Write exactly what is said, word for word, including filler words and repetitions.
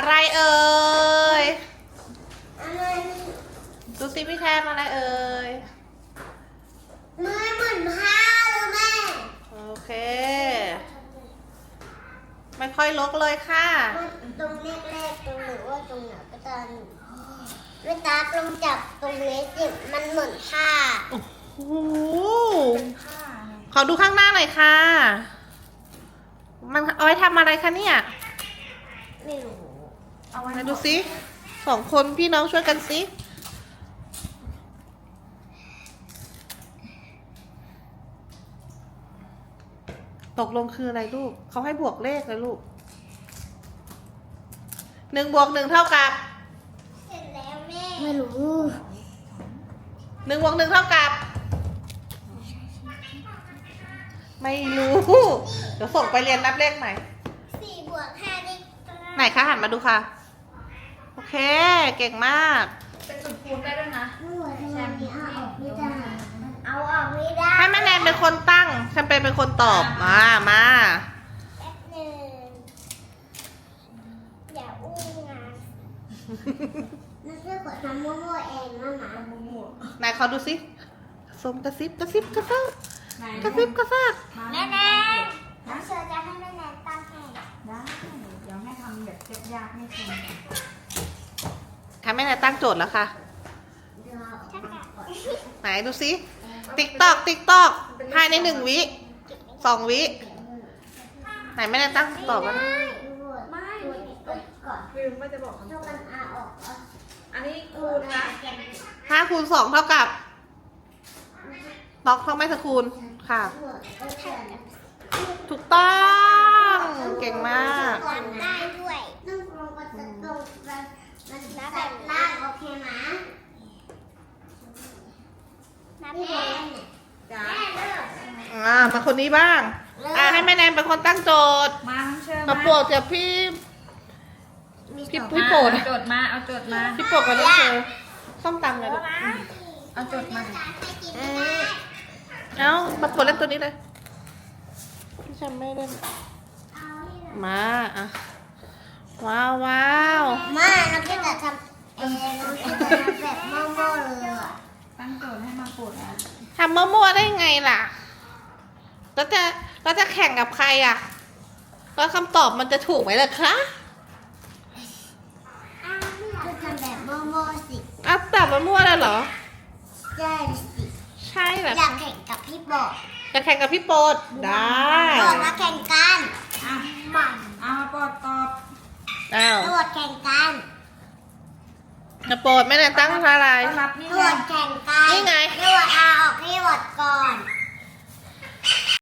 อะไรเอ่ยอะไรดูสิพี่แทนอะไรเอ่ยเมื่อเหมือนผ้าเลยแม่โอเค ไม่ค่อยลกเลยค่ะตรงแรกๆตรงหรือว่าตรงไหนก็ตามเวลาตรงจับตรงนี้สิมันเหมือนผ้าโอ้โหขอดูข้างหน้าหน่อยค่ะ มันเอาไว้ทำอะไรคะเนี่ยไม่รู้เอาไว้ไหนดูสิสองคนพี่น้องช่วยกันสิตกลงคืออะไรลูก เขาให้บวกเลขเลยลูก หนึ่งบวกหนึ่งเท่ากับเสร็จแล้วแม่ไม่รู้หนึ่งบวกหนึ่งเท่ากับ ไม่รู้ เดี๋ยวส่งไปเรียนนับเลขใหม่สี่บวกห้าได้ไหนคะหันมาดูค่ะ โอเค เก่งมากเป็นจุดคูณได้ด้วยนะไม่ไหวทำไมเอาออกไม่ได้เอาออกไม่ได้ให้แม่แนนเป็นคนตั้งแชมเปญเป็นคนตอบ มา มาแป๊บหนึ่งอย่าอู้งานนักเรียนกดทำมั่วๆเองนะหมาไหนขอดูสิสมกระซิบกระซิบกระซากไหนกระซิบกระซากแม่แนนน้องเชอจะให้แม่แนนตั้งให้ได้เดี๋ยวแม่ทำแบบยากๆไม่ทค่ะแม่แนนตั้งโจทย์แล้วค่ะเดี๋ยวเอาออกมาก่อนไหนดูสิติ๊กตอกติ๊กตอกภายในหนึ่งวิสองวิ ไหนแม่แนนตั้งตอบแล้วนะไม่ไม่ก่อนำลืมว่าจะบอกเท่ากันอาออกเหรออันนี้คูณนะห้าคูณสองเท่ากับตอกเท่าไม่สคูณค่ะ ถูกต้อง เก่งมากก่อนได้ด้วยต้องลงมาจะตรงมันมันนับแบบล่างโอเคไหมนับแม่จ้าแม่เลิกอ่ามาคนนี้บ้าง อ่าให้แม่แนนเป็นคนตั้งโจทย์มาน้องเชิญมาโปรดจากพี่ พี่มาพี่โปรดเอาโจทย์มาเอาโจทย์มาพี่โปรดกับน้องเชอส้มตำเลยลูกเอาโจทย์มาอืมเอ้ามาโปรดเล่นตัวนี้เลยพี่ฉันไม่เล่นมาอ่ะว้าวว้าวมาเราแค่จะทำเองเราแค่จะทำแบบโม่ๆเลยอ่ะตั้งโจทย์ให้มาโปรดนะทำมั่วๆได้ไงล่ะแล้วจะแล้วจะแข่งกับใครอ่ะแล้วคำตอบมันจะถูกไหมล่ะคะก็ทำแบบโม่ๆสิอ้าวตอบมันมั่วแล้วเหรอได้สิใช่เหรออยากแข่งกับพี่บอกจะแข่งกับพี่โปรดได้บอกมาแข่งกันอ่ะมันเอามาโปรดตอบอ้าวตรวจแข่งกันจะโปรดไม่ได้ตั้งอะไรต้อนรับนี่ตรวนะจแข่งกันนี่